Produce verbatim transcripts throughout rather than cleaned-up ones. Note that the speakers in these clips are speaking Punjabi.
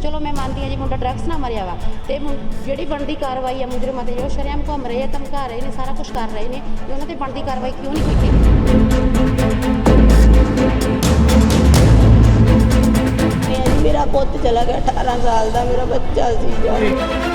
चलो मैं मानती हाँ जी मुंडा ड्रग्स ना मरिया वा तो जी बनती कार्रवाई है मुजरिमां ते जो शरेआम घूम रहे हैं धमका रहे हैं सारा कुछ कर रहे हैं तो उन्होंने बनती कार्रवाई क्यों नहीं की। मेरा पुत चला गया अठारह साल का मेरा बच्चा सी।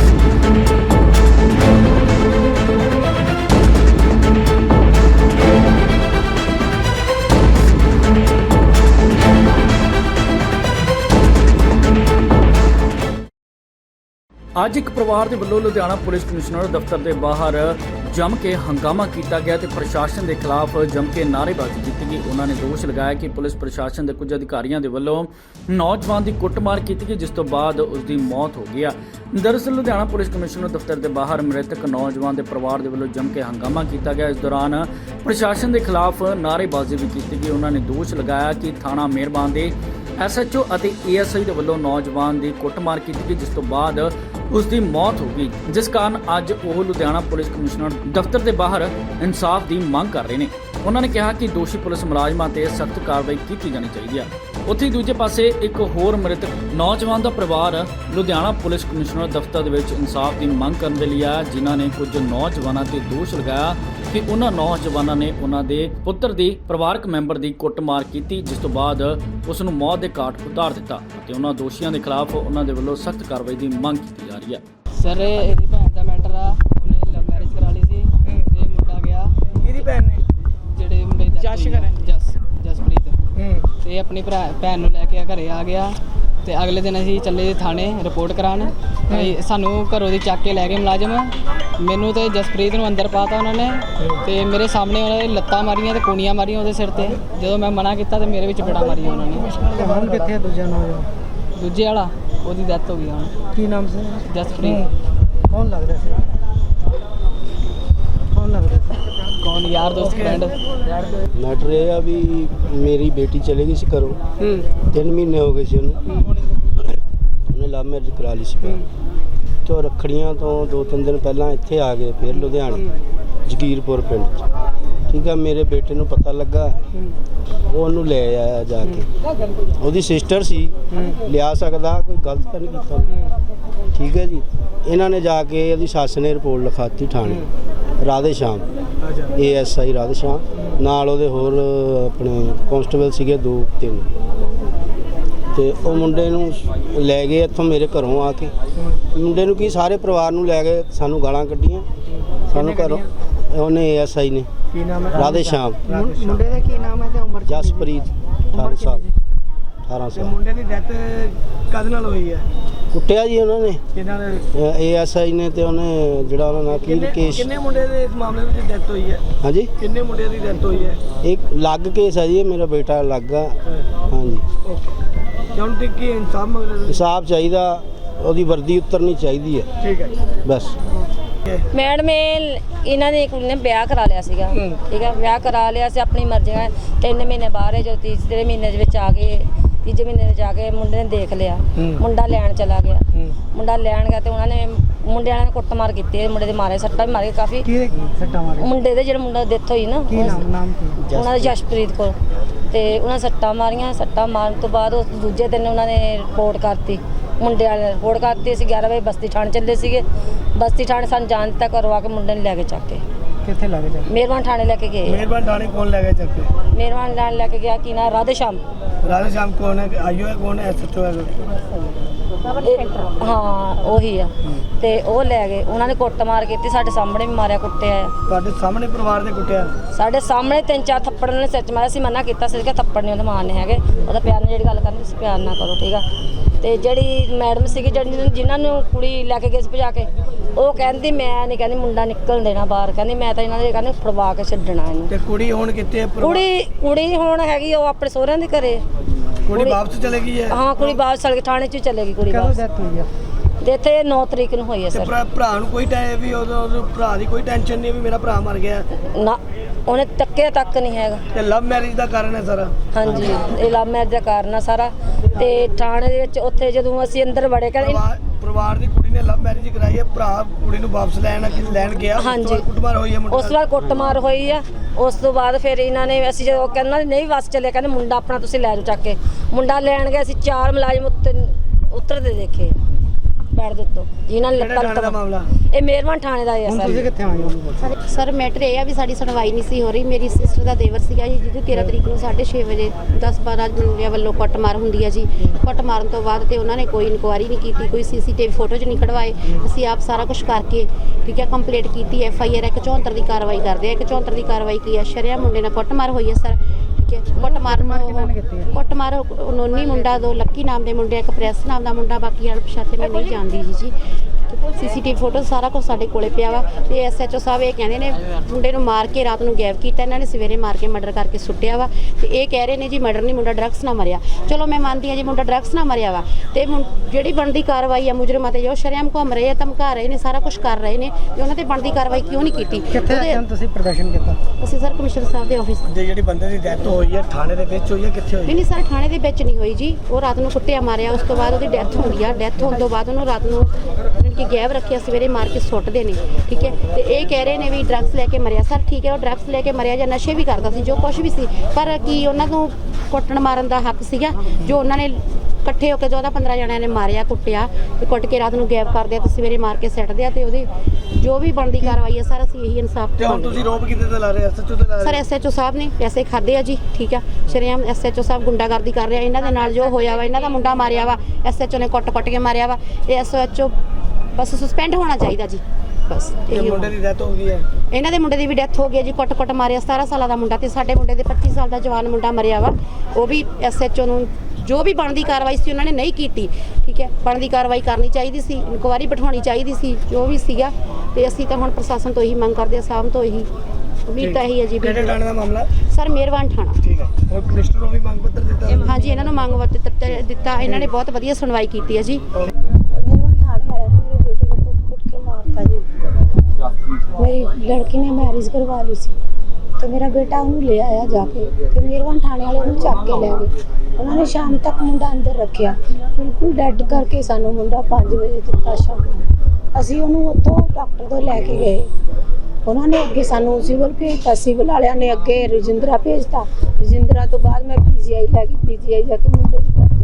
ਅੱਜ ਇੱਕ ਪਰਿਵਾਰ ਦੇ ਵੱਲੋਂ ਲੁਧਿਆਣਾ ਪੁਲਿਸ ਕਮਿਸ਼ਨਰ ਦਫ਼ਤਰ ਦੇ ਬਾਹਰ ਜੰਮ ਕੇ ਹੰਗਾਮਾ ਕੀਤਾ ਗਿਆ ਤੇ ਪ੍ਰਸ਼ਾਸਨ ਦੇ ਖਿਲਾਫ ਜੰਮ ਕੇ ਨਾਅਰੇਬਾਜ਼ੀ ਕੀਤੀ ਗਈ। ਉਹਨਾਂ ਨੇ ਦੋਸ਼ ਲਗਾਇਆ ਕਿ ਪੁਲਿਸ ਪ੍ਰਸ਼ਾਸਨ ਦੇ ਕੁਝ ਅਧਿਕਾਰੀਆਂ ਦੇ ਵੱਲੋਂ ਨੌਜਵਾਨ ਦੀ ਕੁੱਟਮਾਰ ਕੀਤੀ ਗਈ ਜਿਸ ਤੋਂ ਬਾਅਦ ਉਸ ਦੀ ਮੌਤ ਹੋ ਗਈ। ਦਰਅਸਲ ਲੁਧਿਆਣਾ ਪੁਲਿਸ ਕਮਿਸ਼ਨਰ ਦਫ਼ਤਰ ਦੇ ਬਾਹਰ ਮ੍ਰਿਤਕ ਨੌਜਵਾਨ ਦੇ ਪਰਿਵਾਰ ਦੇ ਵੱਲੋਂ ਜੰਮ ਕੇ ਹੰਗਾਮਾ ਕੀਤਾ ਗਿਆ। ਇਸ ਦੌਰਾਨ ਪ੍ਰਸ਼ਾਸਨ ਦੇ ਖਿਲਾਫ ਨਾਅਰੇਬਾਜ਼ੀ ਵੀ ਕੀਤੀ ਗਈ। ਉਹਨਾਂ ਨੇ ਦੋਸ਼ ਲਗਾਇਆ ਕਿ ਥਾਣਾ ਮਿਹਰਬਾਨ ਦੇ ਐਸ ਐਚ ਓ ਅਤੇ ਏ ਐਸ ਆਈ ਦੇ ਵੱਲੋਂ ਨੌਜਵਾਨ ਦੀ ਕੁੱਟਮਾਰ ਕੀਤੀ ਗਈ ਜਿਸ ਤੋਂ ਬਾਅਦ ਉਸ ਦੀ ਮੌਤ ਹੋ ਗਈ, ਜਿਸ ਕਾਰਨ ਅੱਜ ਉਹ ਲੁਧਿਆਣਾ ਪੁਲਿਸ ਕਮਿਸ਼ਨਰ ਦਫ਼ਤਰ ਦੇ ਬਾਹਰ ਇਨਸਾਫ ਦੀ ਮੰਗ ਕਰ ਰਹੇ ਨੇ। ਉਹਨਾਂ ਨੇ ਕਿਹਾ ਕਿ ਦੋਸ਼ੀ ਪੁਲਿਸ ਮੁਲਾਜ਼ਮਾਂ ਤੇ ਸਖਤ ਕਾਰਵਾਈ ਕੀਤੀ ਜਾਣੀ ਚਾਹੀਦੀ ਹੈ। ਉੱਥੇ ਦੂਜੇ ਪਾਸੇ ਇੱਕ ਹੋਰ ਮ੍ਰਿਤਕ ਨੌਜਵਾਨ ਦਾ ਪਰਿਵਾਰ ਲੁਧਿਆਣਾ ਪੁਲਿਸ ਕਮਿਸ਼ਨਰ ਦਫ਼ਤਰ ਦੇ ਵਿੱਚ ਇਨਸਾਫ ਦੀ ਮੰਗ ਕਰਨ ਦੇ ਲਈ ਆਇਆ, ਜਿਨ੍ਹਾਂ ਨੇ ਕੁਝ ਨੌਜਵਾਨਾਂ ਤੇ ਦੋਸ਼ ਲਗਾਇਆ ਕਿ ਉਹਨਾਂ ਨੌਜਵਾਨਾਂ ਨੇ ਉਹਨਾਂ ਦੇ ਪੁੱਤਰ ਦੀ ਪਰਿਵਾਰਕ ਮੈਂਬਰ ਦੀ ਕੁੱਟਮਾਰ ਕੀਤੀ ਜਿਸ ਤੋਂ ਬਾਅਦ ਉਸ ਨੂੰ ਮੌਤ ਦੇ ਘਾਟ ਉਤਾਰ ਦਿੱਤਾ ਅਤੇ ਉਹਨਾਂ ਦੋਸ਼ੀਆਂ ਦੇ ਖਿਲਾਫ ਉਹਨਾਂ ਦੇ ਵੱਲੋਂ ਸਖਤ ਕਾਰਵਾਈ ਦੀ ਮੰਗ ਕੀਤੀ ਜਾ ਰਹੀ ਹੈ। ਸਰ ਇਹਦੀ ਭੈਣ ਦਾ ਮੈਟਰ ਆ, ਉਹਨੇ ਲਵ ਮੈਰਿਜ ਕਰਾ ਲਈ ਸੀ ਤੇ ਮੁੰਡਾ ਗਿਆ ਇਹਦੀ ਭੈਣ ਨੇ ਜਿਹੜੇ ਮੁੰਡੇ ਦਾ ਜਸ਼ ਕਰੇ ਜਸ ਜਸਪ੍ਰੀਤ ਹੂੰ ਤੇ ਆਪਣੀ ਭਰਾ ਭੈਣ ਨੂੰ ਲੈ ਕੇ ਘਰੇ ਆ ਗਿਆ ਤੇ ਅਗਲੇ ਦਿਨ ਅਸੀਂ ਚੱਲੇ ਥਾਣੇ ਰਿਪੋਰਟ ਕਰਾਉਣ। ਅਸੀਂ- ਸਾਨੂੰ ਘਰੋਂ ਦੀ ਚੱਕ ਕੇ ਲੈ ਗਏ ਮੁਲਾਜ਼ਮ। ਮੈਨੂੰ ਤੇ ਜਸਪ੍ਰੀਤ ਨੂੰ ਅੰਦਰ ਪਾਤਾ ਉਹਨਾਂ ਨੇ ਤੇ ਮੇਰੇ ਸਾਹਮਣੇ ਉਹਨਾਂ ਦੇ ਲੱਤਾਂ ਮਾਰੀਆਂ ਤੇ ਕੂਣੀਆਂ ਮਾਰੀਆਂ ਉਹਦੇ ਸਿਰ ਤੇ। ਜਦੋਂ ਮੈਂ ਮਨਾ ਕੀਤਾ ਤੇ ਮੇਰੇ ਵਿੱਚ ਬੜਾ ਮਾਰੀ ਉਹਨਾਂ ਨੇ। ਹੁਣ ਕਿੱਥੇ ਦੂਜਾ ਨੌਜਵਾਨ ਦੂਜੇ ਵਾਲਾ ਉਹਦੀ ਡੈਥ ਹੋ ਗਈ ਹੁਣ। ਕੀ ਨਾਮ ਸੀ ਜਸਪ੍ਰੀਤ। ਕੌਣ ਲੱਗਦਾ ਸੀ ਕੌਣ ਲੱਗਦਾ ਸੀ ਕੌਣ ਯਾਰ ਦੋਸਤ ਫਰੈਂਡ। ਮੈਟਰ ਇਹ ਆ ਵੀ ਮੇਰੀ ਬੇਟੀ ਚਲੇ ਗਈ ਸੀ ਘਰੋਂ ਤਿੰਨ ਮਹੀਨੇ ਹੋ ਗਏ ਸੀ ਉਹਨੂੰ। ਉਹਨੇ ਲਵ ਮੈਰਿਜ ਕਰਾ ਲਈ ਸੀ ਤੋਂ ਰੱਖੜੀਆਂ ਤੋਂ ਦੋ ਤਿੰਨ ਦਿਨ ਪਹਿਲਾਂ ਇੱਥੇ ਆ ਗਏ ਫਿਰ ਲੁਧਿਆਣੇ ਜਗੀਰਪੁਰ ਪਿੰਡ 'ਚ। ਠੀਕ ਆ, ਮੇਰੇ ਬੇਟੇ ਨੂੰ ਪਤਾ ਲੱਗਾ ਉਹ ਉਹਨੂੰ ਲੈ ਆਇਆ ਜਾ ਕੇ। ਉਹਦੀ ਸਿਸਟਰ ਸੀ, ਲਿਆ ਸਕਦਾ, ਕੋਈ ਗਲਤ ਤਾਂ ਨਹੀਂ ਕੀਤਾ। ਠੀਕ ਹੈ ਜੀ, ਇਹਨਾਂ ਨੇ ਜਾ ਕੇ ਉਹਦੀ ਸੱਸ ਨੇ ਰਿਪੋਰਟ ਲਿਖਾਤੀ ਥਾਣੇ ਰਾਧੇ ਸ਼ਾਮ ਏ ਐਸ ਆਈ ਰਾਧੇ ਸ਼ਾਮ ਨਾਲ ਉਹਦੇ ਹੋਰ ਆਪਣੇ ਕਾਂਸਟੇਬਲ ਸੀਗੇ ਦੋ ਤਿੰਨ ਤੇ ਉਹ ਮੁੰਡੇ ਨੂੰ ਲੈ ਗਏ ਇੱਥੋਂ ਮੇਰੇ ਘਰੋਂ ਆ ਕੇ। ਮੁੰਡੇ ਨੂੰ ਕੀ ਸਾਰੇ ਪਰਿਵਾਰ ਨੂੰ ਲੈ ਗਏ, ਸਾਨੂੰ ਗਾਲਾਂ ਕੱਢੀਆਂ ਸਾਨੂੰ ਘਰੋਂ। ਉਹਨੇ ਏ ਐਸ ਆਈ ਨੇ ਕੀ ਨਾਮ ਹੈ ਰਾਧੇ ਸ਼ਾਮ ਮੁੰਡੇ ਦਾ ਕੀ ਨਾਮ ਹੈ ਤੇ ਉਮਰ ਜਸਪ੍ਰੀਤ ਅਠਾਰਾਂ ਸਾਲ ਅਠਾਰਾਂ ਸਾਲ। ਮੁੰਡੇ ਦੀ ਡੈਥ ਕਦ ਨਾਲ ਹੋਈ ਹੈ? ਕੁੱਟਿਆ ਜੀ ਉਹਨਾਂ ਨੇ ਕਿਹਨਾਂ ਨੇ? ਏ ਐਸ ਆਈ ਨੇ ਤੇ ਉਹਨੇ ਜਿਹੜਾ ਉਹਨਾਂ ਨਾਲ ਕੀ ਕੇਸ। ਕਿੰਨੇ ਮੁੰਡੇ ਦੇ ਇਸ ਮਾਮਲੇ ਵਿੱਚ ਡੈਥ ਹੋਈ ਹੈ? ਹਾਂਜੀ, ਕਿੰਨੇ ਮੁੰਡੇ ਦੀ ਡੈਥ ਹੋਈ ਹੈ? ਇੱਕ ਲੱਗ ਕੇਸ ਹੈ ਜੀ, ਮੇਰਾ ਬੇਟਾ ਲੱਗ ਆ। ਹਾਂਜੀ, ਹੁਣ ਤੇ ਕੀ ਇਨਸਾਫ ਮੰਗ ਰਹੇ? ਹਿਸਾਬ ਚਾਹੀਦਾ, ਉਹਦੀ ਵਰਦੀ ਉਤਰਨੀ ਚਾਹੀਦੀ ਹੈ ਠੀਕ ਹੈ ਬਸ। ਮੈਡਮ ਇਹਨਾਂ ਨੇ ਕੁੜੀ ਨੇ ਵਿਆਹ ਕਰਾ ਲਿਆ ਸੀਗਾ। ਠੀਕ ਹੈ, ਵਿਆਹ ਕਰਾ ਲਿਆ ਸੀ ਆਪਣੀ ਮਰਜ਼ੀ ਨਾਲ। ਤਿੰਨ ਮਹੀਨੇ ਬਾਹਰ ਹੈ, ਜੋ ਤੀਸਰੇ ਮਹੀਨੇ ਦੇ ਵਿੱਚ ਆ ਗਏ। ਤੀਜੇ ਮਹੀਨੇ ਵਿੱਚ ਆ ਕੇ ਮੁੰਡੇ ਨੇ ਦੇਖ ਲਿਆ, ਮੁੰਡਾ ਲੈਣ ਚਲਾ ਗਿਆ। ਮੁੰਡਾ ਲੈਣ ਗਿਆ ਤੇ ਉਹਨਾਂ ਨੇ ਮੁੰਡੇ ਵਾਲਿਆਂ ਨੇ ਕੁੱਟਮਾਰ ਕੀਤੀ। ਮੁੰਡੇ ਦੇ ਮਾਰੇ ਸੱਟਾਂ ਵੀ ਮਾਰੇ ਕਾਫੀ। ਕੀ ਸੱਟਾਂ ਮਾਰੇ? ਮੁੰਡੇ ਦੇ ਜਿਹੜਾ ਮੁੰਡਾ ਡੈਥ ਹੋਈ ਨਾ, ਕੀ ਨਾਮ ਨਾਮ ਕੀ? ਉਹਨਾਂ ਦੇ ਜਸਪ੍ਰੀਤ ਕੋਲ ਤੇ ਉਹਨਾਂ ਸੱਟਾਂ ਮਾਰੀਆਂ। ਸੱਟਾਂ ਮਾਰਨ ਤੋਂ ਬਾਅਦ ਉਸ ਦੂਜੇ ਦਿਨ ਉਹਨਾਂ ਨੇ ਰਿਪੋਰਟ ਕਰਤੀ, ਮੁੰਡੇ ਵਾਲੇ ਨੇ ਰਿਪੋਰਟ ਕਰਤੀ। ਅਸੀਂ ਗਿਆਰਾਂ ਵਜੇ ਬਸਤੀ ਥਾਣੇ ਚੱਲੇ ਸੀਗੇ। ਬਸਤੀ ਥਾਣੇ ਸਾਨੂੰ ਜਾਣ ਦਿੱਤਾ, ਘਰੋਂ ਆ ਕੇ ਮੁੰਡੇ ਨੂੰ ਲੈ ਕੇ ਚੱਕ ਕੇ ਕਿੱਥੇ ਲੱਗ ਜਾ? ਮਿਹਰਬਾਨ ਥਾਣੇ ਲੈ ਕੇ ਗਏ। ਮਿਹਰਬਾਨ ਥਾਣੇ ਕੌਣ ਲੈ ਕੇ ਚੱਕ ਕੇ? ਮਿਹਰਬਾਨ ਥਾਣੇ ਲੈ ਕੇ ਗਿਆ ਕੀ ਨਾ ਰਾਧੇ ਸ਼ਾਮ। ਰਾਧੇ ਸ਼ਾਮ ਕੌਣ ਹੈ? ਆਈਓ ਹੈ ਕੌਣ ਹੈ? ਐਸ ਐਚ ਓ ਹੈ? ਇਹ- ਹਾਂ ਉਹੀ ਆ ਤੇ ਉਹ ਲੈ ਗਏ। ਉਹਨਾਂ ਨੇ ਕੁੱਟਮਾਰ ਕੀਤੀ, ਸਾਡੇ ਸਾਹਮਣੇ ਵੀ ਮਾਰਿਆ ਕੁੱਟਿਆ ਆ। ਤੁਹਾਡੇ ਸਾਹਮਣੇ ਪਰਿਵਾਰ ਦੇ ਕੁੱਟਿਆ? ਸਾਡੇ ਸਾਹਮਣੇ ਤਿੰਨ ਚਾਰ ਥੱਪੜ ਉਹਨਾਂ ਨੇ ਸਿਰ 'ਚ ਮਾਰਿਆ ਸੀ। ਮਨਾ ਕੀਤਾ ਸੀ ਕਿ ਥੱਪੜ ਨਹੀਂ ਉਹਦੇ ਮਾਰਨੇ ਹੈਗੇ, ਉਹਦਾ ਪਿਆਰ ਨਾਲ ਜਿਹੜੀ ਗੱਲ ਕਰਨੀ ਸੀ ਪਿਆਰ ਨਾਲ ਕਰੋ। ਠੀਕ ਆ, ਤੇ ਜਿਹੜੀ ਮੈਡਮ ਸੀਗੀ ਜਿਹੜੀ ਜਿਨ੍ਹਾਂ ਨੂੰ ਕੁੜੀ ਲੈ ਕੇ ਗਈ ਸੀ ਭਜਾ ਕੇ, ਉਹ ਕਹਿੰਦੀ ਮੈਂ ਨਹੀਂ, ਕਹਿੰਦੀ ਮੁੰਡਾ ਨਿਕਲਣ ਦੇਣਾ ਬਾਹਰ, ਕਹਿੰਦੀ ਮੈਂ ਤਾਂ ਇਹਨਾਂ ਦੇ ਕਹਿੰਦੇ ਫੜਵਾ ਕੇ ਛੱਡਣਾ ਇਹਨੂੰ। ਤੇ ਕੁੜੀ ਹੁਣ ਕਿੱਥੇ? ਕੁੜੀ ਕੁੜੀ ਹੁਣ ਹੈਗੀ ਉਹ ਆਪਣੇ ਸਹੁਰਿਆਂ ਦੇ ਘਰੇ। ਕੁੜੀ ਵਾਪਸ ਚਲੇ ਗਈ ਹੈ? ਹਾਂ, ਕੁੜੀ ਵਾਪਸ ਚਲ ਗਈ, ਥਾਣੇ 'ਚ ਚਲੇ ਗਈ ਕੁੜੀ ਕਦੋਂ ਵਾਪਸ। ਡੈਥ ਹੋਈ ਹੈ? ਤੇ ਇੱਥੇ ਨੌ ਤਰੀਕ ਨੂੰ ਹੋਈ ਹੈ ਤੇ ਸਰ। ਭਰਾ ਭਰਾ ਨੂੰ ਕੋਈ ਟੈ ਵੀ ਉਹਦਾ ਉਹਦੇ ਭਰਾ ਦੀ ਕੋਈ ਟੈਨਸ਼ਨ ਨਹੀਂ ਵੀ ਮੇਰਾ ਭਰਾ ਮਰ ਗਿਆ? ਨਾ, ਉਹਨੇ ਤੱਕਿਆ ਤੱਕ ਨਹੀਂ ਹੈਗਾ। ਤੇ ਲਵ ਮੈਰਿਜ ਦਾ ਕਾਰਨ ਹੈ ਸਾਰਾ? ਹਾਂਜੀ, ਇਹ ਲਵ ਮੈਰਿਜ ਦਾ ਕਾਰਨ ਆ ਸਾਰਾ। ਤੇ ਥਾਣੇ ਦੇ ਵਿੱਚ ਉੱਥੇ ਜਦੋਂ ਅਸੀਂ ਅੰਦਰ ਵੜੇ ਕਹਿੰਦੇ ਪਰਿਵਾਰ ਪਰਿਵਾਰ ਦੀ ਕੁੜੀ ਨੇ ਲਵ ਮੈਰਿਜ ਕਰਾਈ ਹੈ, ਭਰਾ ਕੁੜੀ ਨੂੰ ਵਾਪਸ ਲੈਣ ਲੈਣ ਗਿਆ। ਉਸ ਤੋਂ ਹਾਂਜੀ। ਬਾਅਦ ਕੁੱਟਮਾਰ ਹੋਈ ਹੈ ਮੁੰਡੇ ਉਸ ਤੋਂ ਬਾਅਦ ਕੁੱਟਮਾਰ ਹੋਈ ਆ। ਉਸ ਤੋਂ ਬਾਅਦ ਫਿਰ ਇਹਨਾਂ ਨੇ ਅਸੀਂ ਜਦੋਂ ਕਹਿੰਦਾ ਨਹੀਂ ਵਸ ਚੱਲੇ, ਕਹਿੰਦੇ ਮੁੰਡਾ ਆਪਣਾ ਤੁਸੀਂ ਲੈ ਜਾਓ ਚੱਕ ਕੇ। ਮੁੰਡਾ ਲੈਣ ਗਏ, ਅਸੀਂ ਚਾਰ ਮੁਲਾਜ਼ਮ ਉੱਤੇ ਉਤਰਦੇ ਦੇਖੇ ਬੈਠ ਦੇ ਉੱਤੋਂ ਜਿਨ੍ਹਾਂ ਨੇ ਕਿਹੜੇ ਲੱਤਾਂ ਥਾਣੇ ਦਾ ਮਾਮਲਾ? ਇਹ ਮਿਹਰਬਾਨ ਥਾਣੇ ਦਾ ਹੀ ਆ ਸਰ। ਕਿੱਥੇ ਆਏ ਹੋ? ਸਰ ਮੈਟਰ ਇਹ ਆ ਵੀ ਸਾਡੀ ਸੁਣਵਾਈ ਨਹੀਂ ਸੀ ਹੋ ਰਹੀ। ਮੇਰੀ ਸਿਸਟਰ ਦਾ ਦੇਵਰ ਸੀਗਾ ਜੀ, ਜਿਹਦੀ ਤੇਰ੍ਹਾਂ ਤਰੀਕ ਨੂੰ ਸਾਢੇ ਛੇ ਵਜੇ ਦਸ ਬਾਰਾਂ ਮੁੰਡਿਆਂ ਵੱਲੋਂ ਕੁੱਟਮਾਰ ਹੁੰਦੀ ਆ ਜੀ। ਕੁੱਟ ਮਾਰਨ ਤੋਂ ਬਾਅਦ ਤੇ ਉਹਨਾਂ ਨੇ ਕੋਈ ਇਨਕੁਆਇਰੀ ਨਹੀਂ ਕੀਤੀ, ਕੋਈ ਸੀਸੀਟੀਵੀ ਫੋਟੋਜ਼ ਨਹੀਂ ਕਢਵਾਏ। ਅਸੀਂ ਆਪ ਸਾਰਾ ਕੁਝ ਕਰਕੇ ਠੀਕ ਹੈ ਕੰਪਲੀਟ ਕੀਤੀ। ਐਫ ਆਈ ਆਰ ਇੱਕ ਚੌਹੱਤਰ ਦੀ ਕਾਰਵਾਈ ਕਰਦੇ ਆ। ਇੱਕ ਚੌਹੱਤਰ ਦੀ ਕਾਰਵਾਈ ਕੀ ਆ, ਸ਼ਰੇਆਮ ਮੁੰਡੇ ਨਾਲ ਕੁੱਟਮਾਰ ਹੋਈ ਹੈ ਸਰ। ਠੀਕ ਹੈ ਕੁੱਟਮਾਰ ਕੁੱਟਮਾਰ ਨੋਨੀ ਮੁੰਡਾ, ਦੋ ਲੱਕੀ ਨਾਮ ਦੇ ਮੁੰਡੇ, ਇੱਕ ਪ੍ਰੈਸ ਨਾਮ ਦਾ ਮੁੰਡਾ, ਬਾਕੀ ਅਣਪਛਾਤੇ ਮੈਂ ਨਹੀਂ ਜਾਣਦੀ ਜੀ ਜੀ ਸੀਸੀਟੀਵੀ ਫੋਟੋ ਸਾਰਾ ਕੁਝ ਸਾਡੇ ਕੋਲੇ ਪਿਆ ਵਾ। ਤੇ ਐਸ ਐਚ ਓ ਸਾਹਿਬ ਇਹ ਕਹਿੰਦੇ ਨੇ ਮੁੰਡੇ ਨੂੰ ਮਾਰ ਕੇ ਰਾਤ ਨੂੰ ਗਾਇਬ ਕੀਤਾ, ਇਹਨਾਂ ਨੇ ਸਵੇਰੇ ਮਾਰ ਕੇ ਮਰਡਰ ਕਰਕੇ ਸੁੱਟਿਆ ਵਾ। ਤੇ ਇਹ ਕਹਿ ਰਹੇ ਨੇ ਜੀ ਮਰਡਰ ਨਹੀਂ, ਮੁੰਡਾ ਡਰੱਗਸ ਨਾਲ ਮਰਿਆ। ਚਲੋ ਮੈਂ ਮੰਨਦੀ ਹਾਂ ਜੀ ਮੁੰਡਾ ਡਰੱਗਸ ਨਾਲ ਮਰਿਆ ਵਾ, ਤੇ ਜਿਹੜੀ ਬਣਦੀ ਕਾਰਵਾਈ ਆ ਮੁਜਰਮਾਂ ਤੇ ਜੋ ਸ਼ਰੇਆਮ ਘੁੰਮ ਰਹੇ ਆ, ਧਮਕਾ ਰਹੇ ਨੇ, ਸਾਰਾ ਕੁਝ ਕਰ ਰਹੇ ਨੇ, ਤੇ ਉਹਨਾਂ ਤੇ ਬਣਦੀ ਕਾਰਵਾਈ ਕਿਉਂ ਨਹੀਂ ਕੀਤੀ? ਤੁਸੀਂ ਪ੍ਰਦਰਸ਼ਨ ਕੀਤਾ? ਅਸੀਂ ਸਰ ਕਮਿਸ਼ਨਰ ਸਾਹਿਬ ਦੇ ਆਫਿਸ ਜੇ ਜਿਹੜੀ ਬੰਦੇ ਦੀ ਡੈਥ ਹੋਈ ਹੈ ਥਾਣੇ ਦੇ ਵਿੱਚ ਹੋਈ ਹੈ, ਕਿੱਥੇ ਹੋਈ? ਨਹੀਂ ਨਹੀਂ ਸਰ ਥਾਣੇ ਦੇ ਵਿੱਚ ਨਹੀਂ ਹੋਈ ਜੀ। ਉਹ ਰਾਤ ਨੂੰ ਕੁੱਟਿਆ ਮਾਰਿਆ, ਉਸ ਤੋਂ ਬਾਅਦ ਉਹਦੀ ਡੈਥ ਹੁੰਦੀ ਆ। ਡੈਥ ਹੋਣ ਤੋਂ ਬਾਅਦ ਉਹਨੂੰ ਰਾਤ ਨੂੰ ਜਾਣੀ ਕਿ ਗਾਇਬ ਰੱਖਿਆ, ਸਵੇਰੇ ਮਾਰ ਕੇ ਸੁੱਟਦੇ ਨੇ। ਠੀਕ ਹੈ ਤੇ ਇਹ ਕਹਿ ਰਹੇ ਨੇ ਵੀ ਡਰੱਗਸ ਲੈ ਕੇ ਮਰਿਆ। ਸਰ ਠੀਕ ਹੈ ਉਹ ਡਰੱਗਸ ਲੈ ਕੇ ਮਰਿਆ ਜਾਂ ਨਸ਼ੇ ਵੀ ਕਰਦਾ ਸੀ, ਜੋ ਕੁਝ ਵੀ ਸੀ, ਪਰ ਕੀ ਉਹਨਾਂ ਨੂੰ ਕੁੱਟਣ ਮਾਰਨ ਦਾ ਹੱਕ ਸੀਗਾ? ਜੋ ਉਹਨਾਂ ਨੇ ਇਕੱਠੇ ਹੋ ਕੇ ਚੌਦਾਂ ਪੰਦਰਾਂ ਜਣਿਆਂ ਨੇ ਮਾਰਿਆ, ਕੁੱਟਿਆ ਤੇ ਕੁੱਟ ਕੇ ਰਾਤ ਨੂੰ ਗਾਇਬ ਕਰਦੇ ਆ ਤੇ ਸਵੇਰੇ ਮਾਰ ਕੇ ਸਿੱਟਦੇ ਆ, ਤੇ ਉਹਦੀ ਜੋ ਵੀ ਬਣਦੀ ਕਾਰਵਾਈ ਹੈ ਸਰ ਅਸੀਂ ਇਹੀ ਇਨਸਾਫ ਤੇ ਹੁਣ ਤੁਸੀਂ ਰੋਪ ਕਿਤੇ ਤੇ ਲਾ ਰਹੇ? ਐਸ ਐਚ ਓ ਤੇ ਲਾ ਰਹੇ? ਸਰ ਐਸ ਐਚ ਓ ਸਾਹਿਬ ਨੇ ਪੈਸੇ ਖਾਦੇ ਆ ਜੀ। ਠੀਕ ਆ ਸ਼ਰੇਆਮ ਐਸ ਐਚ ਓ ਸਾਹਿਬ ਗੁੰਡਾਗਰਦੀ ਕਰ ਰਿਹਾ। ਇਹਨਾਂ ਦੇ ਨਾਲ ਜੋ ਹੋਇਆ ਵਾ, ਇਹਨਾਂ ਦਾ ਮੁੰਡਾ ਮਾਰਿਆ ਵਾ, ਐਸ ਐਚ ਓ ਨੇ ਕੁੱਟ-ਕੁੱਟ ਕੇ ਮਾਰਿਆ ਵਾ। ਇਹ ਐਸ ਐਚ ਓ ਬਸ ਸਸਪੈਂਡ ਹੋਣਾ ਚਾਹੀਦਾ ਜੀ, ਬਸ ਤੇ ਇਹੀ ਮੁੰਡੇ ਦੀ ਡੈਥ ਹੋ ਗਈ ਹੈ? ਇਹਨਾਂ ਦੇ ਮੁੰਡੇ ਦੀ ਵੀ ਡੈਥ ਹੋ ਗਈ ਜੀ, ਕੁੱਟ-ਕੁੱਟ ਮਾਰਿਆ। ਸਤਾਰਾਂ ਸਾਲਾਂ ਦਾ ਮੁੰਡਾ ਤੇ ਸਾਡੇ ਮੁੰਡੇ ਦੇ ਪੱਚੀ ਸਾਲ ਦਾ ਜਵਾਨ ਮੁੰਡਾ ਮਰਿਆ ਵਾ। ਉਹ ਵੀ ਐਸ ਐਚ ਓ ਨੂੰ ਜੋ ਵੀ ਬਣਦੀ ਕਾਰਵਾਈ ਸੀ ਉਹਨਾਂ ਨੇ ਨਹੀਂ ਕੀਤੀ। ਠੀਕ ਹੈ ਬਣਦੀ ਕਾਰਵਾਈ ਕਰਨੀ ਚਾਹੀਦੀ ਸੀ, ਇਨਕੁਆਇਰੀ ਬਿਠਾਉਣੀ ਚਾਹੀਦੀ ਸੀ, ਜੋ ਵੀ ਸੀਗਾ। ਤੇ ਅਸੀਂ ਤਾਂ ਹੁਣ ਪ੍ਰਸ਼ਾਸਨ ਤੋਂ ਇਹੀ ਮੰਗ ਕਰਦੇ ਆ, ਸਾਹਿਬ ਤੋਂ ਇਹੀ ਉਮੀਦ ਤਾਂ ਇਹੀ ਹੈ ਜੀ। ਕਿਹੜੇ ਥਾਣੇ ਦਾ ਮਾਮਲਾ? ਸਰ ਮਿਹਰਬਾਨ ਥਾਣਾ। ਠੀਕ ਹੈ ਹੁਣ ਕਮਿਸ਼ਨਰ ਨੂੰ ਵੀ ਮੰਗ ਪੱਤਰ ਦਿੱਤਾ? ਹਾਂਜੀ ਇਹਨਾਂ ਨੂੰ ਮੰਗ ਪੱਤਰ ਦਿੱਤਾ, ਇਹਨਾਂ ਨੇ ਬਹੁਤ ਵਧੀਆ ਸੁਣਵਾਈ ਕੀਤੀ ਹੈ ਜੀ। मेरी लड़की ने मैरिज करवा ली सी तो मेरा बेटा उन्होंने ले आया जाके तो मेरवान थाने वाले उन्हें चक के ले गए। उन्होंने शाम तक मुंडा अंदर रखिया, बिल्कुल डैड करके सानू मुंडा पाँच बजे दिता शाम ਨੂੰ। ਅਸੀਂ ਉਹਨੂੰ ਉੱਥੋਂ ਡਾਕਟਰ ਤੋਂ ਲੈ ਕੇ ਗਏ। ਉਹਨਾਂ ਨੇ ਅੱਗੇ ਸਾਨੂੰ ਸਿਵਲ ਭੇਜਤਾ, ਸਿਵਲ ਵਾਲਿਆਂ ਨੇ ਅੱਗੇ ਰਜਿੰਦਰਾ ਭੇਜਤਾ। ਰਜਿੰਦਰਾ ਤੋਂ ਬਾਅਦ ਮੈਂ ਪੀ ਜੀ ਆਈ ਲੈ ਗਈ, ਪੀ ਜੀ ਆਈ ਜਾ ਕੇ ਮੁੰਡੇ ਦੀ ਡੈਥ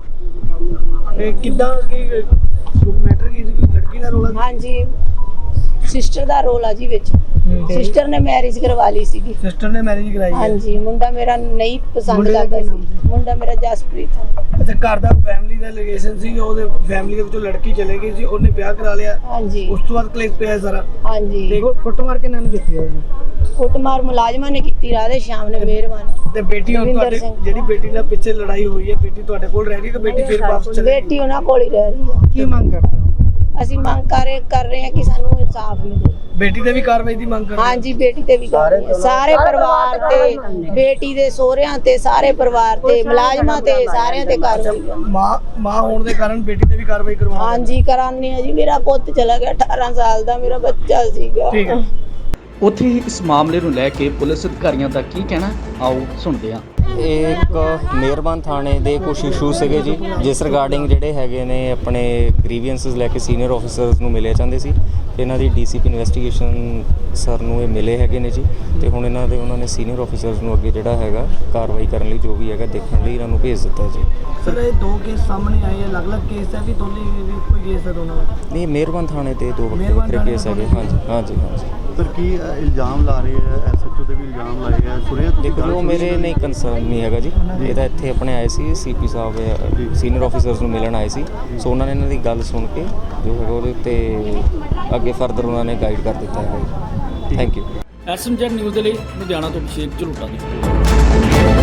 ਹੋਈ। ਇਹ ਕਿੱਦਾਂ ਕੀ ਮੈਟਰ ਕੀ ਸੀ? ਕੋਈ ਲੜਕੀ ਦਾ ਰੋਲ? ਹਾਂਜੀ ਸਿਸਟਰ ਦਾ ਰੋਲ ਆ ਜੀ ਵਿੱਚ। ਸਿਸਟਰ ਨੇ ਮੈਰਿਜ ਕਰਵਾ ਲਈ ਸੀਗੀ। ਸਿਸਟਰ ਨੇ ਮੈਰਿਜ ਕਰਾਈ ਹੈ? ਹਾਂਜੀ ਮੁੰਡਾ ਮੇਰਾ ਨਹੀਂ ਪਸੰਦ ਮੁੰਡੇ ਦਾ ਕਰਦਾ ਕੀ ਨਾਮ ਸੀ, ਮੁੰਡਾ ਮੇਰਾ ਜਸਪ੍ਰੀਤ। ਅੱਛਾ ਘਰ ਦਾ ਫੈਮਿਲੀ ਦਾ ਰਿਲੇਸ਼ਨ ਸੀ, ਉਹਦੇ ਫੈਮਿਲੀ ਦੇ ਵਿੱਚੋਂ ਲੜਕੀ ਚਲੇ ਗਈ ਸੀ, ਉਹਨੇ ਵਿਆਹ ਕਰਾ ਲਿਆ। ਹਾਂਜੀ ਉਸ ਤੋਂ ਬਾਅਦ ਕਲੇਸ਼ ਪਿਆ ਸਾਰਾ। ਹਾਂਜੀ ਦੇਖੋ ਕੁੱਟਮਾਰ ਕਿਹਨਾਂ ਨੇ ਕੀਤੀ ਉਹਨੇ? ਕੁੱਟਮਾਰ ਮੁਲਾਜ਼ਮਾਂ ਨੇ ਕੀਤੀ, ਰਾਧੇ ਸ਼ਾਮ ਨੇ ਮਿਹਰਬਾਨ। ਤੇ ਬੇਟੀ ਹੁਣ ਦਵਿੰਦਰ ਤੁਹਾਡੇ ਸਿੰਘ। ਜਿਹੜੀ ਬੇਟੀ ਨਾਲ ਪਿੱਛੇ ਲੜਾਈ ਹੋਈ ਹੈ, ਬੇਟੀ ਤੁਹਾਡੇ ਕੋਲ ਰਹਿ ਗਈ ਕਿ ਬੇਟੀ ਫਿਰ ਵਾਪਸ ਚਲੀ ਗਈ? ਬੇਟੀ ਉਹਨਾਂ ਕੋਲ ਹੀ ਰਹਿ ਰਹੀ ਹੈ। ਕੀ ਮੰਗ ਕਰਦੇ ਹੋ? ਅਸੀਂ ਮੰਗ ਕਰ ਰਹੇ ਕਰ ਰਹੇ ਹਾਂ ਕਿ ਸਾਨੂੰ ਇਨਸਾਫ ਮਿਲੇ। ਬੇਟੀ ਤੇ ਵੀ ਕਾਰਵਾਈ ਦੀ ਮੰਗ ਕਰਦੇ ਹੋ? ਹਾਂਜੀ ਬੇਟੀ ਤੇ ਵੀ ਕਰ ਰਹੇ ਹਾਂ, ਸਾਰੇ ਪਰਿਵਾਰ ਤੇ, ਬੇਟੀ ਦੇ ਸਹੁਰਿਆਂ ਤੇ, ਸਾਰੇ ਪਰਿਵਾਰ ਤੇ, ਮੁਲਾਜ਼ਮਾਂ ਤੇ, ਸਾਰਿਆਂ ਤੇ ਕਾਰਵਾਈ ਕਰੋ। ਮਾਂ ਮਾਂ ਹੋਣ ਦੇ ਕਾਰਨ ਬੇਟੀ ਤੇ ਵੀ ਕਾਰਵਾਈ ਕਰਵਾਉਣੀ? ਹਾਂਜੀ ਕਰਾਂਗੇ ਆ ਜੀ। ਮੇਰਾ ਪੁੱਤ ਚਲਾ ਗਿਆ, ਅਠਾਰਾਂ ਸਾਲ ਦਾ ਮੇਰਾ ਬੱਚਾ ਸੀਗਾ। ਠੀਕ ਹੈ। ਉੱਥੇ ਹੀ ਇਸ ਮਾਮਲੇ ਨੂੰ ਲੈ ਕੇ ਪੁਲਿਸ ਅਧਿਕਾਰੀਆਂ ਦਾ ਕੀ ਕਹਿਣਾ, ਆਓ ਸੁਣਦੇ ਹਾਂ। ਇਹ ਇੱਕ ਮਿਹਰਬਾਨ ਥਾਣੇ ਦੇ ਕੁਝ ਇਸ਼ੂ ਸੀਗੇ ਜੀ, ਜਿਸ ਰਿਗਾਰਡਿੰਗ ਜਿਹੜੇ ਹੈਗੇ ਨੇ ਆਪਣੇ ਗ੍ਰੀਵੈਂਸਸ ਲੈ ਕੇ ਸੀਨੀਅਰ ਆਫੀਸਰਸ ਨੂੰ ਮਿਲੇ ਜਾਂਦੇ ਸੀ। ਇਹਨਾਂ ਦੀ ਡੀਸੀਪੀ ਇਨਵੈਸਟੀਗੇਸ਼ਨ ਸਰ ਨੂੰ ਇਹ ਮਿਲੇ ਹੈਗੇ ਨੇ ਜੀ, ਤੇ ਹੁਣ ਇਹਨਾਂ ਦੇ ਉਹਨਾਂ ਨੇ ਸੀਨੀਅਰ ਆਫੀਸਰਸ ਨੂੰ ਅੱਗੇ ਜਿਹੜਾ ਹੈਗਾ ਕਾਰਵਾਈ ਕਰਨ ਲਈ ਜੋ ਵੀ ਹੈਗਾ ਦੇਖਣ ਲਈ ਇਹਨਾਂ ਨੂੰ ਭੇਜ ਦਿੱਤਾ ਜੀ। ਸਰ ਇਹ ਦੋ ਕੇਸ ਸਾਹਮਣੇ ਆਏ ਹੈ, ਅਲੱਗ-ਅਲੱਗ ਕੇਸ ਹੈ ਵੀ ਦੋਨੇ ਵੀ ਕੋਈ ਕੇਸ ਹੈ ਦੋਨਾਂ ਦਾ? ਨਹੀਂ ਮਿਹਰਬਾਨ ਥਾਣੇ ਤੇ ਦੋ ਮਿਹਰਬਾਨ ਵੱਖਰੇ ਥਾਣੇ ਕੇਸ ਹੈਗੇ। ਹਾਂਜੀ ਹਾਂਜੀ ਹਾਂਜੀ ਸਰ ਕੀ ਇਲਜ਼ਾਮ ਲਾ ਰਹੇ ਹੈ? ਐਸ ਐਚ ਓ ਤੇ ਵੀ ਇਲਜ਼ਾਮ ਲਾਏ ਗਏ, ਸੁਣਿਆ ਤੁਸੀਂ? ਦੇਖੋ ਮੇਰੇ ਨਹੀਂ ਕੰਸਰਨ ਨਹੀਂ ਹੈਗਾ ਜੀ, ਇਹ ਤਾਂ ਇੱਥੇ ਆਪਣੇ ਆਏ ਸੀ ਸੀਪੀ ਸਾਹਿਬ ਸੀਨੀਅਰ ਆਫੀਸਰਸ ਨੂੰ ਮਿਲਣ ਆਏ ਸੀ, ਸੋ ਉਹਨਾਂ ਨੇ ਇਹਨਾਂ ਦੀ ਗੱਲ ਸੁਣ ਕੇ ਜੋ ਹੈਗਾ ਉਹਦੇ ਉੱਤੇ ਅੱਗੇ ਫਰਦਰ ਉਹਨਾਂ ਨੇ ਗਾਈਡ ਕਰ ਦਿੱਤਾ ਹੈਗਾ ਜੀ। Thank you. S M Z news ਦੇ ਲਈ ਲੁਧਿਆਣਾ ਤੋਂ ਅਭਿਸ਼ੇਕ ਝਲੂਟਾ ਦੀ